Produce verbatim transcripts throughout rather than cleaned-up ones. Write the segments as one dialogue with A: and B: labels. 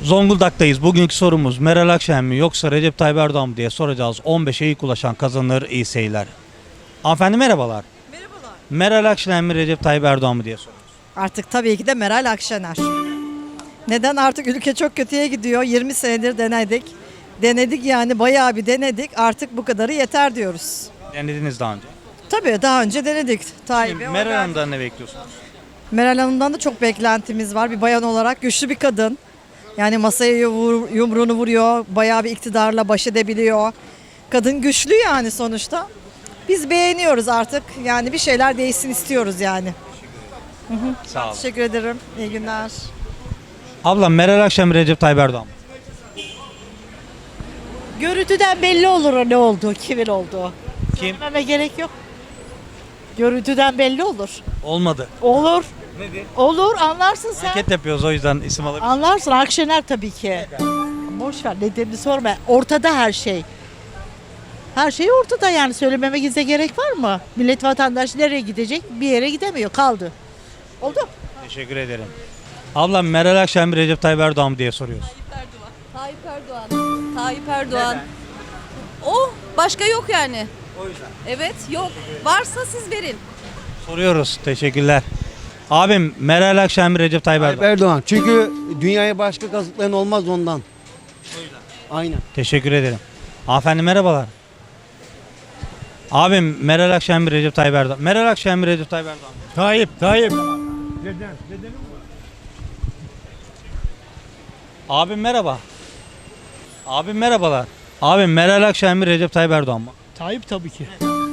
A: Zonguldak'tayız. Bugünkü sorumuz Meral Akşener mi yoksa Recep Tayyip Erdoğan mı diye soracağız. on beşe ilk ulaşan kazanır, iyi seyirler. Hanımefendi merhabalar.
B: Merhabalar.
A: Meral Akşener mi Recep Tayyip Erdoğan mı diye soruyoruz.
B: Artık tabii ki de Meral Akşener. Neden? Artık ülke çok kötüye gidiyor. yirmi senedir denedik. Denedik yani bayağı bir denedik. Artık bu kadarı yeter diyoruz.
A: Denediniz daha önce.
B: Tabii daha önce denedik. Tayyip'e oy
A: Meral
B: verdik.
A: Hanım'dan ne bekliyorsunuz?
B: Meral Hanım'dan da çok beklentimiz var. Bir bayan olarak güçlü bir kadın. Yani masaya vur- yumruğunu vuruyor. Bayağı bir iktidarla baş edebiliyor. Kadın güçlü yani sonuçta. Biz beğeniyoruz artık. Yani bir şeyler değişsin istiyoruz yani.
A: Sağ olun.
B: Teşekkür ederim. İyi günler.
A: Ablam Meral Akşener mi Recep Tayyip Erdoğan mı?
C: Görüntüden belli olur o ne olduğu, kimin olduğu.
A: Kim?
C: Söylememe gerek yok. Görüntüden belli olur.
A: Olmadı.
C: Olur.
A: Nedir?
C: Olur, anlarsın sen.
A: Anket yapıyoruz o yüzden isim alabilir.
C: Anlarsın, Akşener tabii ki. Boş ver, nedenini sorma. Ortada her şey. Her şey ortada yani, söylememe gizle gerek var mı? Millet vatandaş nereye gidecek? Bir yere gidemiyor, kaldı. Oldu.
A: Teşekkür ederim. Ablam Meral Akşener mi Recep Tayyip Erdoğan mı diye soruyoruz.
D: Tayyip Erdoğan. Tayyip Erdoğan. O başka yok yani.
A: O yüzden.
D: Evet yok. Varsa siz verin.
A: Soruyoruz. Teşekkürler. Abim Meral Akşener mi Recep Tayyip
E: Tayyip
A: Erdoğan?
E: Erdoğan. Çünkü dünyaya başka kazıklayan olmaz ondan. Aynen.
A: Teşekkür ederim. Hanımefendi merhabalar. Abim Meral Akşener mi Recep Tayyip Erdoğan? Meral Akşener mi Recep Tayyip Erdoğan mı?
F: Tayyip, Tayyip.
A: Abim merhaba. Abim merhabalar. Abim Meral Akşener mi Recep Tayyip Erdoğan mı?
F: Tayyip tabii ki.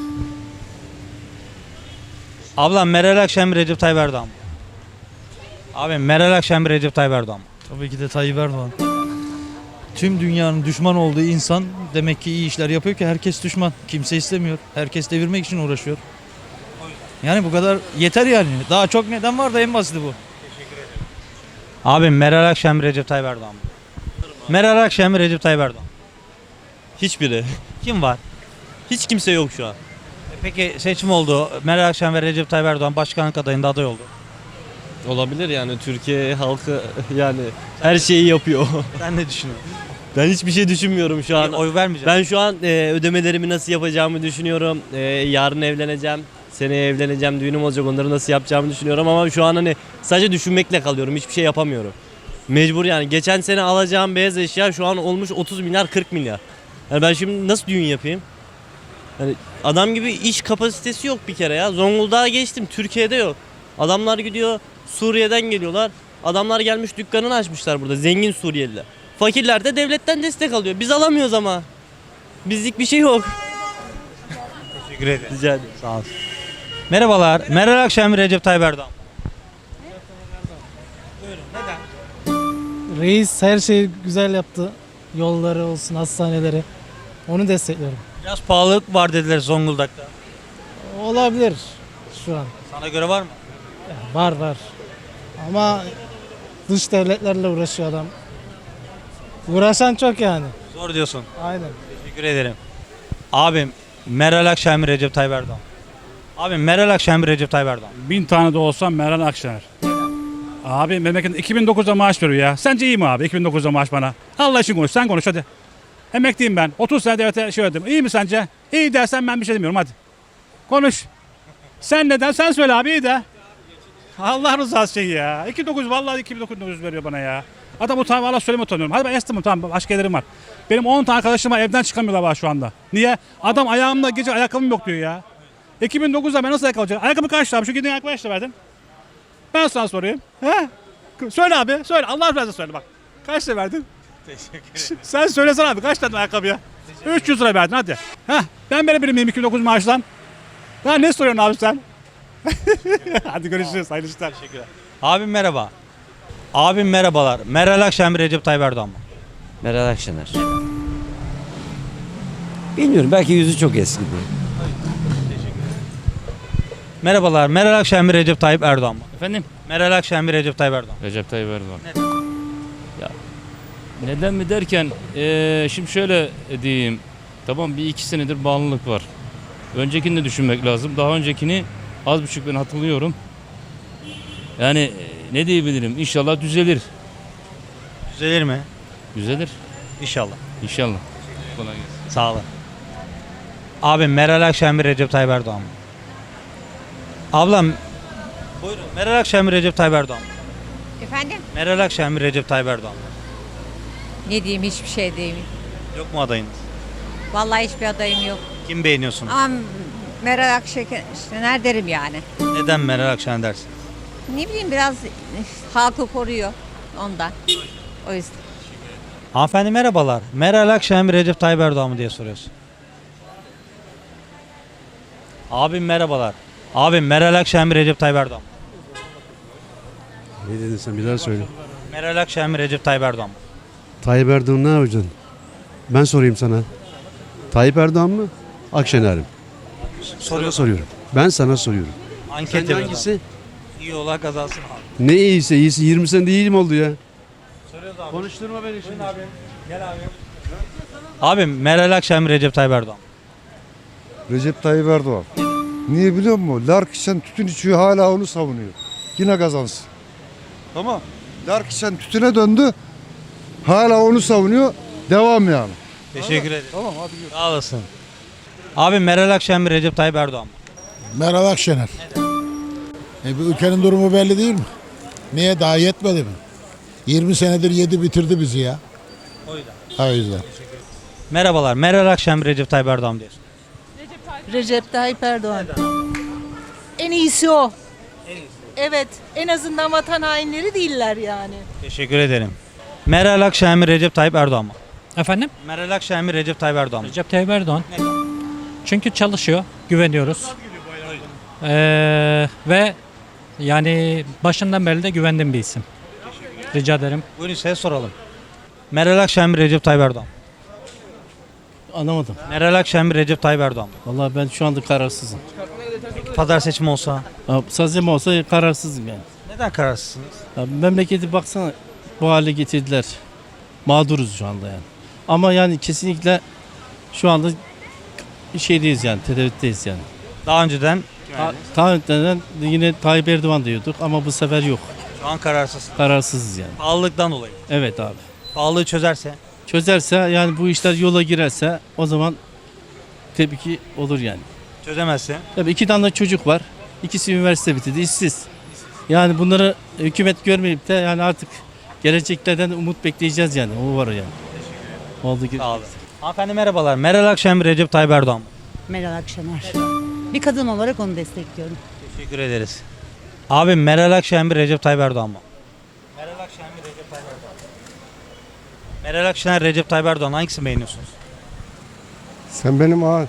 A: Ablam Meral Akşener mi Recep Tayyip Erdoğan mı? Abim Meral Akşener mi Recep Tayyip Erdoğan mı?
G: Tabii ki de Tayyip Erdoğan. Tüm dünyanın düşman olduğu insan demek ki iyi işler yapıyor ki herkes düşman. Kimse istemiyor. Herkes devirmek için uğraşıyor. Yani bu kadar yeter yani. Daha çok neden var da en basiti bu.
A: Abim Meral Akşener mi Recep Tayyip Erdoğan mı? Meral Akşener mi Recep Tayyip Erdoğan mı?
H: Hiçbiri.
A: Kim var?
H: Hiç kimse yok şu an.
A: E Peki seçim oldu. Meral Akşener ve Recep Tayyip Erdoğan başkanlık adayında aday oldu.
H: Olabilir yani, Türkiye halkı yani her şeyi yapıyor.
A: Sen ne düşünüyorsun?
H: Ben hiçbir şey düşünmüyorum şu an.
A: Oy vermeyeceğim.
H: Ben şu an e, ödemelerimi nasıl yapacağımı düşünüyorum. E, yarın evleneceğim. Seneye evleneceğim. Düğünüm olacak. Onları nasıl yapacağımı düşünüyorum ama şu an hani sadece düşünmekle kalıyorum. Hiçbir şey yapamıyorum. Mecbur yani. Geçen sene alacağım beyaz eşya şu an olmuş otuz milyar kırk milyar. Yani ben şimdi nasıl düğün yapayım? Yani adam gibi iş kapasitesi yok bir kere ya. Zonguldak'a geçtim. Türkiye'de yok. Adamlar gidiyor Suriye'den geliyorlar. Adamlar gelmiş dükkanını açmışlar burada. Zengin Suriyeliler. Fakirler de devletten destek alıyor. Biz alamıyoruz ama. Bizlik bir şey yok.
A: Teşekkür ederim.
H: Rica ederim.
A: Sağ olun. Merhabalar. Meral Akşener mi Recep Tayyip Erdoğan mı?
I: Reis her şeyi güzel yaptı. Yolları olsun, hastaneleri. Onu destekliyorum.
A: Biraz pahalılık var dediler Zonguldak'ta.
I: Olabilir şu an.
A: Sana göre var mı?
I: Var var. Ama dış devletlerle uğraşıyor adam. Uğraşan çok yani.
A: Zor diyorsun.
I: Aynen.
A: Teşekkür ederim. Abim Meral Akşener mi Recep Tayyip Erdoğan mı? Abim Meral Akşener mi Recep Tayyip Erdoğan mı?
F: Bin tane de olsam Meral Akşener. Abi memleket iki bin dokuzda maaş veriyor ya. Sence iyi mi abi iki bin dokuzda maaş bana? Allah için konuş, sen konuş hadi. Emekliyim ben. otuz sene devlete şey ödedim. İyi mi sence? İyi dersen ben bir şey demiyorum hadi. Konuş. Sen neden? Sen söyle abi, iyi de. Allah rızası için ya. iki bin dokuz vallahi iki bin dokuz veriyor bana ya. Adam utanma, Allah söyleme utanıyorum. Hadi ben estimim, tamam, başka gelirim var. Benim on tane arkadaşım var, evden çıkamıyorlar var şu anda. Niye? Adam ayağımda gece ayakkabım yok diyor ya. iki bin dokuzda ben nasıl ayakkabı alacağım? Ayakkabı kaç lira abi? Şu gidin ayakkabı kaç lira verdin? Ben sana sorayım. He? Söyle abi, söyle. Allah razı söyle bak. Kaç lira verdin? Teşekkür ederim. Sen söylesene abi, kaç tane ayakkabıya? üç yüz lira verdin hadi. Heh, ben verebilir miyim iki bin dokuz maaştan? Ya ne soruyorsun abi sen? Hadi görüşürüz. Hayırlı işler. Teşekkürler.
A: Abim merhaba. Abim merhabalar. Meral Akşener mi Recep Tayyip Erdoğan mı?
J: Meral Akşener. Bilmiyorum, belki yüzü çok eski.
A: Merhabalar. Meral Akşener mi Recep Tayyip Erdoğan mı?
G: Efendim?
A: Meral Akşener mi Recep Tayyip Erdoğan mı?
G: Recep Tayyip Erdoğan. Neden? Ya, neden mi derken eee, şimdi şöyle diyeyim. Tamam, bir iki senedir bağımlılık var. Öncekini de düşünmek lazım. Daha öncekini az buçuk ben hatırlıyorum. Yani e, ne diyebilirim? İnşallah düzelir.
A: Düzelir mi?
F: Düzelir.
A: İnşallah.
F: İnşallah. Kolay gelsin.
A: Sağ olun. Abi Meral Akşener mi Recep Tayyip Erdoğan mı? Ablam buyurun. Meral Akşener mi Recep Tayyip Erdoğan mı?
D: Efendim?
A: Meral Akşener mi Recep Tayyip Erdoğan mı?
D: Ne diyeyim hiçbir şey diyeyim.
A: Yok mu adayınız?
D: Vallahi hiçbir adayım yok.
A: Kim beğeniyorsunuz?
D: Ama Meral Akşener derim yani.
A: Neden Meral Akşener dersin?
D: Ne bileyim biraz halkı koruyor ondan. O yüzden.
A: Hanımefendi merhabalar. Meral Akşener mi Recep Tayyip Erdoğan mı diye soruyoruz. Abim merhabalar. Abim Meral Akşener mi Recep Tayyip Erdoğan mı?
E: Ne dedin sen bir daha söyle.
A: Meral Akşener mi Recep Tayyip Erdoğan mı?
E: Tayyip Erdoğan ne yapacaksın? Ben sorayım sana. Tayyip Erdoğan mı? Akşener mi? Sana soruyorum. Ben sana soruyorum.
A: Anket
E: Sence
A: yapıyoruz
E: hangisi?
A: abi. İyi olan kazansın abi.
E: Ne iyiyse iyisi yirmi sene değil mi oldu ya?
A: Soruyoruz abi.
E: Konuşturma beni şimdi.
A: Abi. Gel abi. Abim Meral Akşener mi Recep Tayyip Erdoğan mı?
K: Recep Tayyip Erdoğan. Niye biliyor musun? Larkişen tütün içiyor hala onu savunuyor. Yine kazansın. Tamam. Larkişen tütüne döndü. Hala onu savunuyor. Devam yani.
A: Teşekkür ederim.
K: Tamam hadi gör.
A: Sağ olasın. Abim Meral Akşener mi Recep Tayyip Erdoğan mı?
L: Meral Akşener. E, bu ülkenin durumu belli değil mi? Niye daha yetmedi mi? yirmi senedir yedi bitirdi bizi ya.
A: O yüzden.
L: O yüzden.
A: Merhabalar. Meral Akşener mi Recep Tayyip Erdoğan mı diyorsun?
C: Recep Tayyip Erdoğan. En iyisi o. Evet, en azından vatan hainleri değiller yani.
A: Teşekkür ederim. Meral Akşener mi Recep Tayyip Erdoğan mı?
M: Efendim?
A: Meral Akşener mi Recep Tayyip Erdoğan mı?
M: Recep Tayyip Erdoğan.
A: Neden?
M: Çünkü çalışıyor, güveniyoruz. Ee, ve yani başından beri de güvendiğim bir isim. Rica ederim.
A: Buyurun size soralım. Meral Akşener mi Recep Tayyip Erdoğan mı?
H: Anlamadım.
A: Meral Akşener mi Recep Tayyip Erdoğan mı?
H: Vallahi ben şu anda kararsızım.
A: Pazar seçimi olsa.
H: Sazım olsa kararsızım yani.
A: Neden kararsızsınız?
H: Ya memleketi baksana bu hale getirdiler. Mağduruz şu anda yani. Ama yani kesinlikle şu anda bir şeydeyiz yani, tereddütteyiz yani.
A: Daha önceden
H: Ta- Daha önceden yine Tayyip Erdoğan diyorduk ama bu sefer yok.
A: şu an kararsız.
H: Kararsızız yani.
A: Pahalılıktan dolayı.
H: Evet abi.
A: Pahalılığı çözerse.
H: Çözerse yani bu işler yola girerse o zaman tabii ki olur yani.
A: Çözemezse.
H: Tabii iki tane de çocuk var. İkisi üniversite bitirdi, işsiz. Yani bunları hükümet görmeyip de yani artık geleceklerden umut bekleyeceğiz yani. O var yani. Oldu ki.
A: Sağ olun. Hanımefendi merhabalar. Meral Akşener mi Recep Tayyip Erdoğan mı?
C: Meral Akşener. Bir kadın olarak onu destekliyorum.
A: Teşekkür ederiz. Abim Meral Akşener mi Recep Tayyip Erdoğan mı? Meral Akşener mi Recep Tayyip Erdoğan mı? Meral Akşener, Recep Tayyip Erdoğan hangisini beğeniyorsunuz?
K: Sen benim ağa.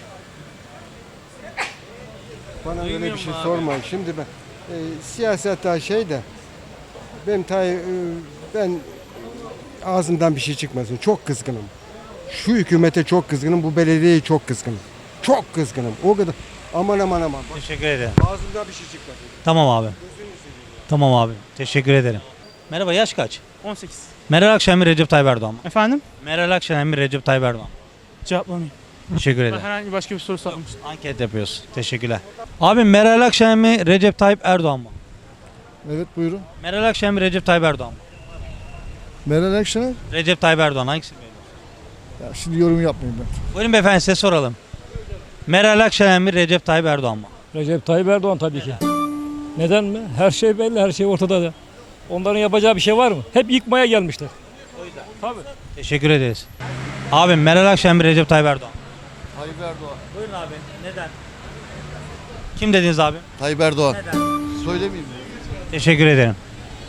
K: Bana öyle bir şey sorma. Şimdi ben e, siyasette şey de ben tay e, ben ağzımdan bir şey çıkmasın. Çok kızgınım. Şu hükümete çok kızgınım. Bu belediyeye çok kızgınım. Çok kızgınım. O kadar. Aman aman aman. Bak,
A: Teşekkür ederim.
K: ağzımdan bir şey çıkmasın.
A: Tamam abi. Tamam abi. Teşekkür ederim. Merhaba, yaş kaç?
I: on sekiz.
A: Meral Akşener mi Recep Tayyip Erdoğan mı?
I: Efendim?
A: Meral Akşener mi Recep Tayyip Erdoğan mı?
I: Cevaplamayayım.
A: Teşekkür ederim.
I: Herhangi başka bir soru sormuştum.
A: Anket yapıyoruz. Teşekkürler. Abim Meral Akşener mi Recep Tayyip Erdoğan mı?
K: Evet buyurun.
A: Meral Akşener mi Recep Tayyip Erdoğan mı?
K: Meral Akşener.
A: Recep Tayyip Erdoğan hangisini beğeniyorsun?
K: Ya şimdi yorum yapmayayım ben.
A: Buyurun beyefendi, size soralım. Meral Akşener mi Recep Tayyip Erdoğan mı?
M: Recep Tayyip Erdoğan tabii ki. Neden mi? Her şey belli, her şey ortada da. Onların yapacağı bir şey var mı? Hep yıkmaya gelmişler. Tabii.
A: Teşekkür ederiz. Abim Meral Akşener mi Recep Tayyip Erdoğan mı?
K: Tayyip Erdoğan.
A: Buyurun abi. Neden? Kim dediniz abi?
K: Tayyip Erdoğan. Söylemeyeyim mi?
A: Teşekkür ederim.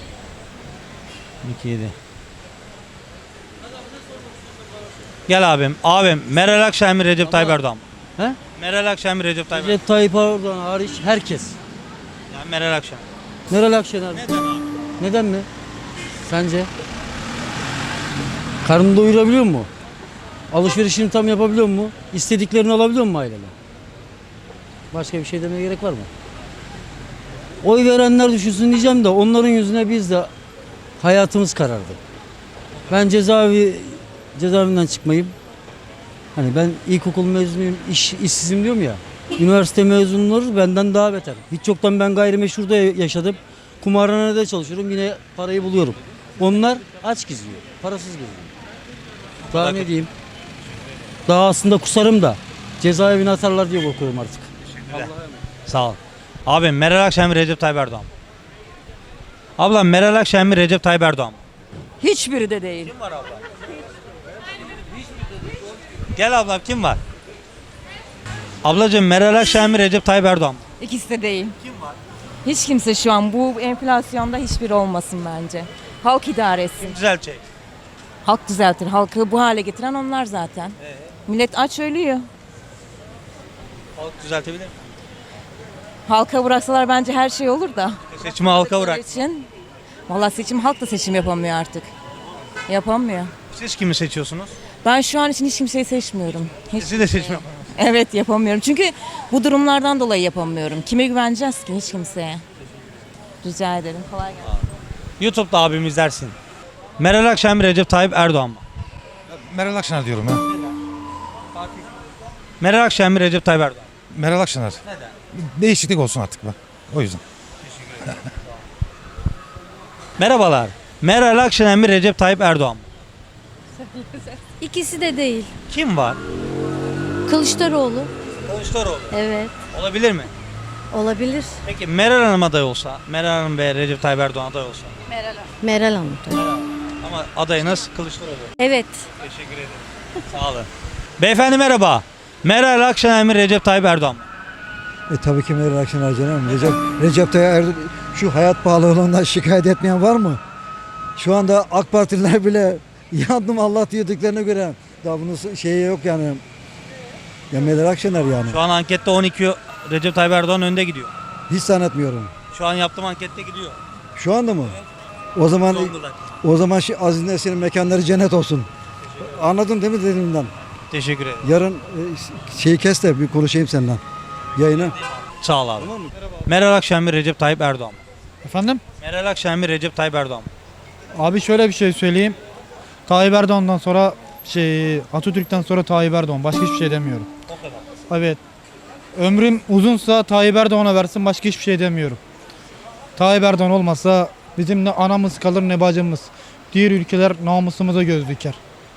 A: iki yedi. Gel abim. Abim Meral Akşener mi Recep Tayyip Erdoğan mı?
J: He?
A: Meral Akşener mi Recep Tayyip Erdoğan mı?
J: Recep Tayyip Erdoğan hariç herkes.
A: Yani Meral Akşener.
J: Meral Akşener.
A: Neden abi?
J: Neden mi? Sence? Karnını doyurabiliyor mu? Alışverişini tam yapabiliyor mu? İstediklerini alabiliyor mu aileler? Başka bir şey demeye gerek var mı? Oy verenler düşünsün diyeceğim de onların yüzüne biz de hayatımız karardı. Ben cezaevi cezaevinden çıkmayayım. Hani ben ilkokul mezunuyum, iş, işsizim diyorum ya. Üniversite mezunları benden daha beter. Hiç yoktan ben gayrimeşhurda yaşadım. Kumarhanede çalışıyorum, yine parayı buluyorum. Onlar aç geziyor. Parasız geziyor. Daha ne diyeyim? Daha aslında kusarım da cezaevine atarlar diye korkuyorum artık.
A: Sağ ol. Abi Meral Akşener mi Recep Tayyip Erdoğan mı? Ablam Meral Akşener mi Recep Tayyip Erdoğan mı?
B: Hiçbiri de değil.
A: Kim var ablam? Gel ablam kim var? Ablacığım Meral Akşener mi Recep Tayyip Erdoğan mı?
D: İkisi de değil. Hiç kimse şu an bu enflasyonda hiçbiri olmasın bence. Halk idare etsin.
A: Düzeltecek.
D: Halk düzeltir. Halkı bu hale getiren onlar zaten. Millet aç ölüyor.
A: Halk düzeltebilir mi?
D: Halka bıraksalar bence her şey olur da.
A: Seçimi halka bırak.
D: için valla seçim halk da seçim yapamıyor artık. Yapamıyor.
A: Siz kimi seçiyorsunuz?
D: Ben şu an için hiç kimseyi seçmiyorum. Hiç,
A: Siz de seçim
D: evet yapamıyorum. Çünkü bu durumlardan dolayı yapamıyorum. Kime güveneceğiz ki? Hiç kimseye. Rica ederim. Kolay gelsin.
A: YouTube'da abim izlersin. Meral Akşener mi Recep Tayyip Erdoğan mı?
N: Meral Akşener diyorum ya.
A: Meral Akşener mi Recep Tayyip Erdoğan mı?
N: Meral Akşener.
A: Neden?
N: Değişiklik olsun artık be. O yüzden.
A: Merhabalar. Meral Akşener mi Recep Tayyip Erdoğan mı?
O: İkisi de değil.
A: Kim var?
O: Kılıçdaroğlu.
A: Kılıçdaroğlu.
O: Evet.
A: Olabilir mi?
O: Olabilir.
A: Peki Meral Hanım aday olsa, Meral Hanım ve Recep Tayyip Erdoğan aday olsa.
O: Meral Hanım.
A: Ama adayınız Kılıçdaroğlu.
O: Evet.
A: Teşekkür ederim. Sağ olun. Beyefendi merhaba. Meral Akşener mi Recep Tayyip Erdoğan mı?
I: E tabii ki Meral Akşener canım. Recep, Recep Tayyip Erdoğan şu hayat pahalılığından şikayet etmeyen var mı? Şu anda AK Partililer bile yandım Allah diyorduklarına göre daha bunun şeyi yok yani. Ya Meral Akşener yani.
A: Şu an ankette on iki Recep Tayyip Erdoğan önde gidiyor.
I: Hiç zannetmiyorum.
A: Şu an yaptığım ankette gidiyor.
I: Şu anda mı? O zaman
A: Zonguldak.
I: o zaman şu Aziz Nesin'in mekanları cennet olsun. Anladın değil mi dediğimden?
A: Teşekkür ederim.
I: Yarın e, şeyi kes de bir konuşayım seninle. Yayını.
A: Sağ ol abi. Meral Akşener mi Recep Tayyip Erdoğan mı?
I: Efendim?
A: Meral Akşener mi Recep Tayyip Erdoğan mı?
I: Abi şöyle bir şey söyleyeyim. Tayyip Erdoğan'dan sonra şey Atatürk'ten sonra Tayyip Erdoğan. Başka hiçbir şey demiyorum.
A: O kadar.
I: Evet. Ömrüm uzunsa Tayyip Erdoğan'a versin, başka hiçbir şey demiyorum. Tayyip Erdoğan olmasa bizim ne anamız kalır ne bacımız. Diğer ülkeler namusumuza göz diker.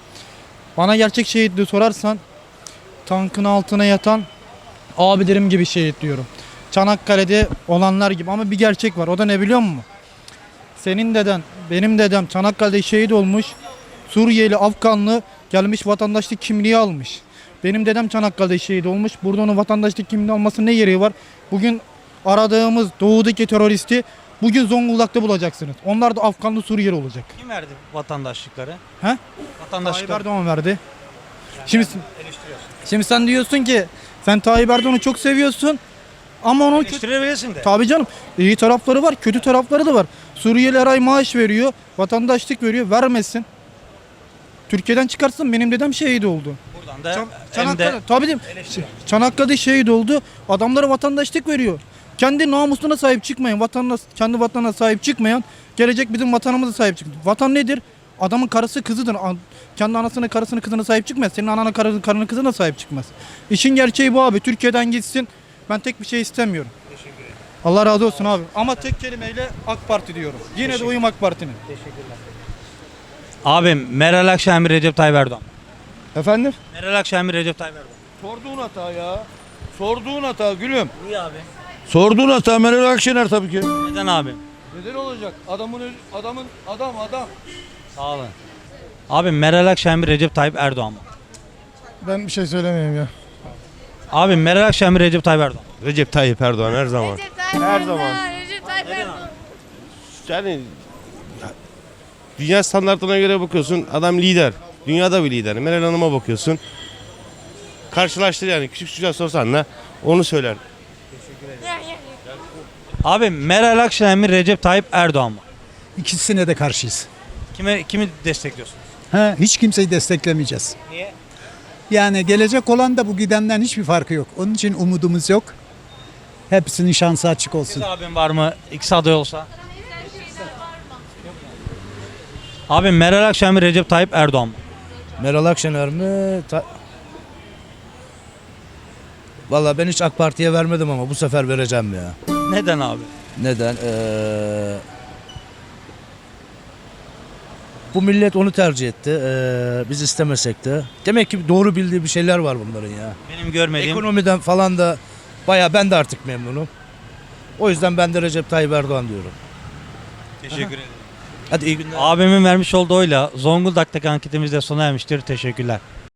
I: Bana gerçek şehitliği sorarsan tankın altına yatan abilerim gibi şehit diyorum. Çanakkale'de olanlar gibi ama bir gerçek var. O da ne biliyor musun? Senin deden, benim dedem Çanakkale'de şehit olmuş. Suriyeli, Afganlı gelmiş vatandaşlık kimliği almış. Benim dedem Çanakkale'de şehit olmuş. Burada onun vatandaşlık kimliği almasının ne gereği var? Bugün aradığımız doğudaki teröristi bugün Zonguldak'ta bulacaksınız. Onlar da Afganlı, Suriyeli olacak.
A: Kim verdi vatandaşlıkları?
I: He? Tayyip
A: Vatandaşlıkları.
I: Erdoğan verdi. Şimdi, şimdi sen diyorsun ki sen Tayyip Erdoğan'ı çok seviyorsun ama onun kötü...
A: Eleştirebilirsin de.
I: Tabii canım. İyi tarafları var, kötü tarafları da var. Suriyeli her ay maaş veriyor, vatandaşlık veriyor, vermesin. Türkiye'den çıkarsın, benim dedem şehit oldu.
A: Buradan da
I: Çan-
A: hem
I: Çanakkale,
A: de
I: tabii değil mi? Çanakkale'de şehit oldu, adamlara vatandaşlık veriyor. Kendi namusuna sahip çıkmayan, vatanına, kendi vatanına sahip çıkmayan, gelecek bizim vatanımıza sahip çıkıyor. Vatan nedir? Adamın karısı kızıdır. A- Kendi anasına, karısına, kızına sahip çıkmaz. Senin anana, karına, karına, kızına sahip çıkmaz. İşin gerçeği bu abi. Türkiye'den gitsin. Ben tek bir şey istemiyorum. Allah razı olsun abi. Ama tek kelimeyle AK Parti diyorum. Yine de oyum AK Parti'nin.
A: abim Meral Akşener mi Recep Tayyip Erdoğan mı?
I: Efendim?
A: Meral Akşener mi Recep Tayyip Erdoğan mı?
J: Sorduğun hata ya. Sorduğun hata gülüm.
A: Niye abi?
J: Sorduğun hata Meral Akşener tabii ki.
A: Neden abi?
J: Neden olacak? Adamın adamın adam adam.
A: Sağ olun. Abi Meral Akşener mi Recep Tayyip Erdoğan mı?
I: Ben bir şey söylemeyeyim ya.
A: Abi Meral Akşener mi Recep Tayyip Erdoğan mı?
N: Recep Tayyip Erdoğan her zaman.
O: Her zaman. Recep Tayyip Erdoğan.
N: Yani dünya standartlarına göre bakıyorsun adam lider. Dünyada bir lider. Meral Hanım'a bakıyorsun. Karşılaştır yani küçük çocuğa sorsan da onu söyler.
A: Abi Meral Akşener mi Recep Tayyip Erdoğan mı?
I: İkisine de karşıyız.
A: Kime kimi destekliyorsun?
I: Ha, hiç kimseyi desteklemeyeceğiz.
A: Niye?
I: Yani gelecek olan da bu gidenden hiçbir farkı yok. Onun için umudumuz yok. Hepsinin şansı açık olsun.
A: Siz abim var mı? İkisi aday olsa. Abi Meral Akşener mi Recep Tayyip Erdoğan mı?
J: Meral Akşener mi? Ta- Vallahi ben hiç AK Parti'ye vermedim ama bu sefer vereceğim ya.
A: Neden abi?
J: Neden? Ee,
G: Bu millet onu tercih etti. Ee, biz istemesek de. Demek ki doğru bildiği bir şeyler var bunların ya.
A: Benim görmediğim
G: Ekonomiden falan da bayağı ben de artık memnunum. O yüzden ben de Recep Tayyip Erdoğan diyorum.
A: teşekkür ederim.
G: Hadi iyi günler.
A: Abimin vermiş olduğu oyla Zonguldak'taki anketimiz de sona ermiştir. Teşekkürler.